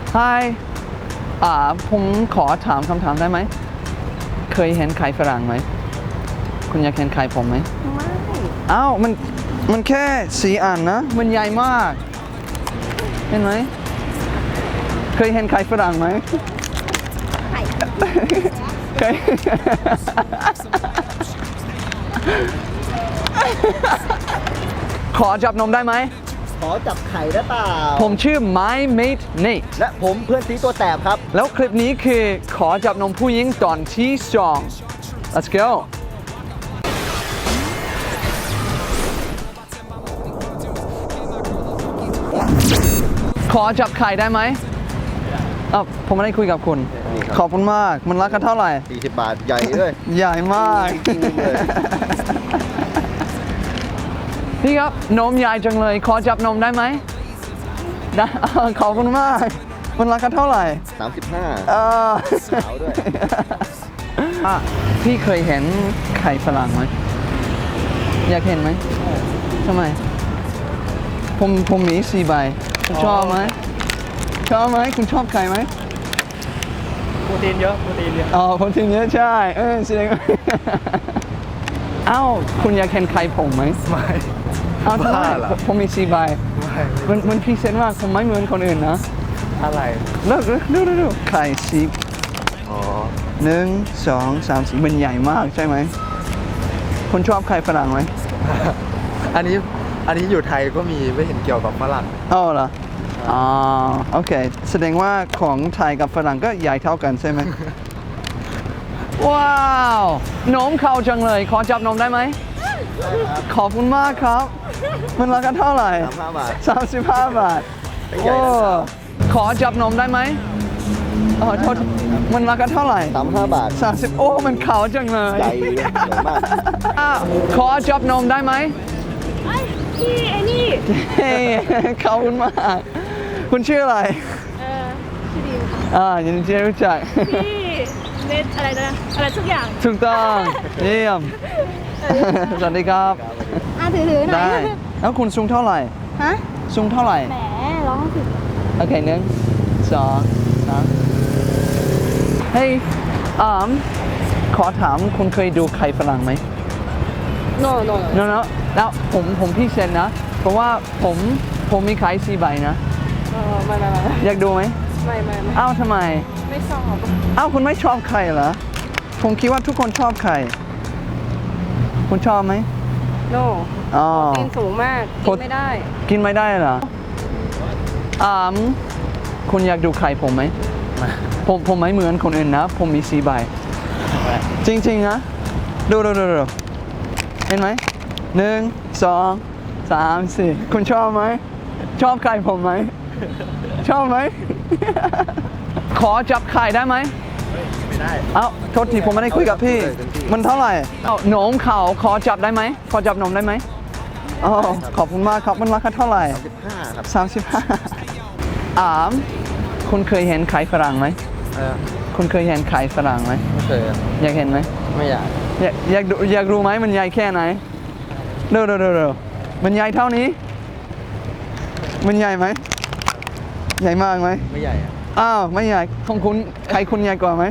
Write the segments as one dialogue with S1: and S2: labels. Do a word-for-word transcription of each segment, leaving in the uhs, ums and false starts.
S1: Hi อ่าผมขอถามคำถามได้ไหมเคยเห็นไข่ฝรั่งไหมคุณอยากเห็นไข่ผมไหมไม่อ้าวมันมันแค่สี่อันนะมันใหญ่มากเห็นไหมเคยเห็นไข่ฝรั่งไหมไข่เคยขอจับนมได้ไหม
S2: ขอจับไข่ได้เปล่า
S1: ผมชื่อ My Mate Nate
S2: และผมเพื่อนซีตัวแสบครับ
S1: แล้วคลิปนี้คือขอจับนมผู้หญิงตอนที่สอง Let's go ขอจับไข่ได้ไหมอ่ะผมไม่ได้คุยกับคุณขอบคุณมากมันราคาเท่าไหร่
S2: สี่สิบบาทใหญ่ด้วย
S1: ใหญ่มากพี่ครับนมใหญ่จังเลยขอจับนมได้ไหมได้ขอบคุณมากมันราคาเท่าไหร่
S2: สามสิบห้า
S1: เออ
S2: ขาวด้วย
S1: พี่เคยเห็นไข่ฝรั่งไหมอยากเห็นไหมทำไมผมผมมีสี่ใบคุณชอบไหมชอบไหมคุณชอบไข่ไหม
S3: โปรตีนเยอะโปรตีนเยอะ
S1: อ๋อโปรตีนเยอะใช่เออแสดงว่าอ้าวคุณอยากเห็นไข่ผมไหม
S3: ไม่
S1: อ้าวทำไมผมมีสี่ใบมันมันพิเศษมากผมไม่เหมือนคนอื่นนะ
S3: อะไร
S1: เลิกดูดูดูไข่สิบ
S3: อ๋อ
S1: หนึ่งสองสามสี่มันใหญ่มากใช่ไหมคุณชอบไข่ฝรั่งไหม
S3: อันนี้อันนี้อยู่ไทยก็มีไม่เห็นเกี่ยวกับฝรั่ง
S1: อ๋อเหรออ๋อโอเคแสดงว่าของไทยกับฝรั่งก็ใหญ่เท่ากันใช่ไหม ว้าวนมเข้าจังเลยขอจับนมได้ไหมขอบคุณมากครับมันราคาเท่าไหร่
S2: สามสิบห้าบาท
S1: สามสิบห้าบาทโอ้ขอจับนมได้ไหมอ๋อโทษมันราคาเท่าไหร่
S2: สามสิบห้าบาท
S1: สามสิบโอ้มันขาวจังเลย
S2: ใหญ่ใหญ่มาก
S1: ขอจับนมได้ไหม
S4: พี่ไอ้นี่
S1: เฮ้ขอบคุณมากคุณชื่ออะไร
S4: เออชื่อดิว
S1: อ่ายินดีที่รู้จัก
S4: พี่เน็ตอะไรนะอะไรทุกอย่าง
S1: ถูกต้องเยี่ยมสวัสดีครับ
S4: อ่ะถือถือหน่อย
S1: ได้แล้วคุณสูงเท่าไหร่
S4: ฮะ
S1: สูงเท่าไหร่
S4: แหมร้องผิด
S1: โอเคหนึ่งสองสามเฮ้ยอ่าขอถามคุณเคยดูไข่ฝรั่งไหม
S4: no no
S1: no no แล้วผมผมพี่เซนนะเพราะว่าผมผมมีไข่สี่ใบนะ
S4: เออไม่ไม่ไม่
S1: อยากดูไหม
S4: ไม่ไม่ไม่
S1: อ้าวทำไม
S4: ไม่ชอบ
S1: อ้าวคุณไม่ชอบไข่เหรอผมคิดว่าทุกคนชอบไข่คุณชอบไหม
S4: no
S1: อ๋อ
S4: กินสูงมากกินไม่ได้
S1: กินไม่ได้เหรออ่าคุณอยากดูไข่ผมไหมผมผมไม่เหมือนคนอื่นนะผมมีสี่ใบจริงๆนะดูดูดูดูเห็นไหมหนึ่งสองสามสี่คุณชอบไหมชอบไข่ผมไหมชอบไหมขอจับไข่ได้ไหม
S3: ไม่ได้
S1: เอ้าโทษทีผมไม่ได้คุยกับพี่มันเท่าไหร่เอ้าหนมเขาขอจับได้ไหมขอจับนมได้ไหมอ๋อขอบคุณมากครับมันราคาเท่าไหร่
S2: สามสิบห้าครับ
S1: สามสิบห้าอามคุณเคยเห็นไข่ฝรั่งไหมคุณเคยเห็นไข่ฝรั่งไหม
S3: ไม่เคย
S1: อยากเห็นไหม
S3: ไม่อยาก
S1: อยากอยากดูอยากรู้ไหมมันใหญ่แค่ไหนดูดูดูดูมันใหญ่เท่านี้มันใหญ่ไหมใหญ่มากไหม
S3: ไม่ใหญ่
S1: อ้าวไม่ใหญ่ของคุณใครคุณใหญ่กว่าไหม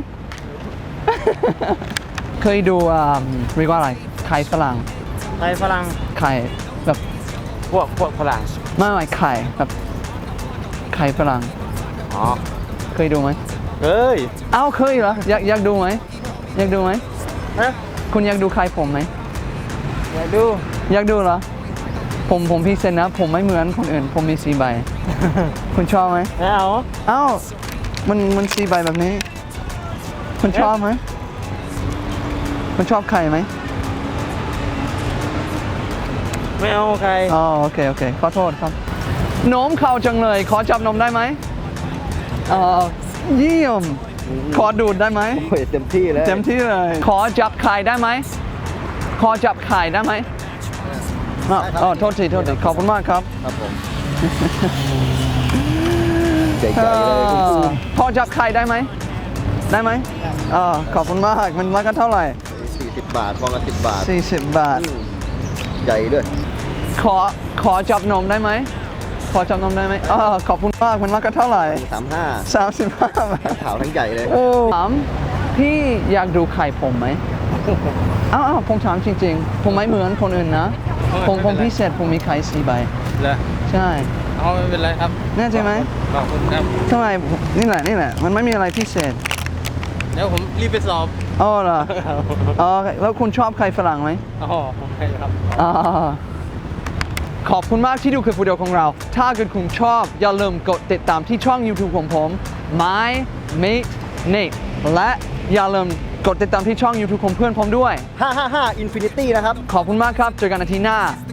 S1: เคยดูอ่าเรียกว่าอะไรไข่ฝรั่ง
S3: ไข่ฝรั่ง
S1: ไข่แบบ
S3: พวกพวกฝรั่ง
S1: ไม่ไม่ไข่แบบไข่ฝรั่ง
S3: อ๋อ
S1: เคยดูไหม
S3: เฮ้ย
S1: อ้าวเคยเหรออยากอยากดูไหมอยากดูไหม
S3: ฮะ
S1: คุณอยากดูไข่ผมไหม
S3: อยากดู
S1: อยากดูเหรอผมผมพิเศษนะผมไม่เหมือนคนอื่นผมมีสี่ใบ คุณชอบไหม
S3: ไม่เอา
S1: อ้าวมันมันสี่ใบแบบนี้คุณชอบไหมคุณชอบไข่ไหม
S3: ไม่เอาใคร
S1: อ๋อโอเคโอเคขอโทษครับนมเข้าจังเลยขอจับนมได้ไหมอ๋อเยี่ยมขอดูดได้ไหม
S2: โอ้ยเต็มที่เลย
S1: เต็มที่เลยขอจับไข่ได้ไหมขอจับไข่ได้ไหมอ๋อโทษทีโทษทีขอบคุณมากครับ
S2: ครับผมใหญ่ๆเลย
S1: พอจับไข่ได้ไหมได้ไหมอ๋อขอบคุณมากมันราคาเท่าไหร่
S2: สี่สิบบาทฟองละสิบบาท
S1: สี่สิบบาท
S2: ใหญ่ด้วย
S1: ขอขอจับนมได้ไหมพอจำนำได้ไหมอ๋อขอบคุณมากมันราคาเท่าไหร่
S2: สามห้า
S1: สามสิบห้าบาท
S2: ขาวทั้งใหญ่เลย
S1: โอ้ถามพี่อยากดูไข่ผมไหมอ้าวอ้าวผมถามจริงๆ ผมไม่เหมือนคนอื่นนะ ผมผมพิเศษผมมีไข่สี่ใบ
S5: เลย
S1: ใช่
S5: เอาไม่เป็นไรครับ
S1: แน่ใจไหม
S5: ขอบคุณครับ
S1: ทำไมนี่แหละนี่แหละ มันไม่มีอะไรพิเศษ
S5: เดี๋ยวผมรีบไปสอบ
S1: อ๋อเหรออ๋อแล้วคุณชอบไข่ฝรั่งไหม
S5: อ๋อผมไปครับ
S1: อ่าขอบคุณมากที่ดูคลิปวิดีโอของเรา ถ้าเกิดคุณชอบ อย่าลืมกดติดตามที่ช่อง YouTube ของผม My Mate Nate และอย่าลืมกดติดตามที่ช่อง YouTube ของเพื่อนผมด้วย
S2: ห้าห้าห้า Infinity นะครับ
S1: ขอบคุณมากครับ เจอกันอาทิตย์หน้า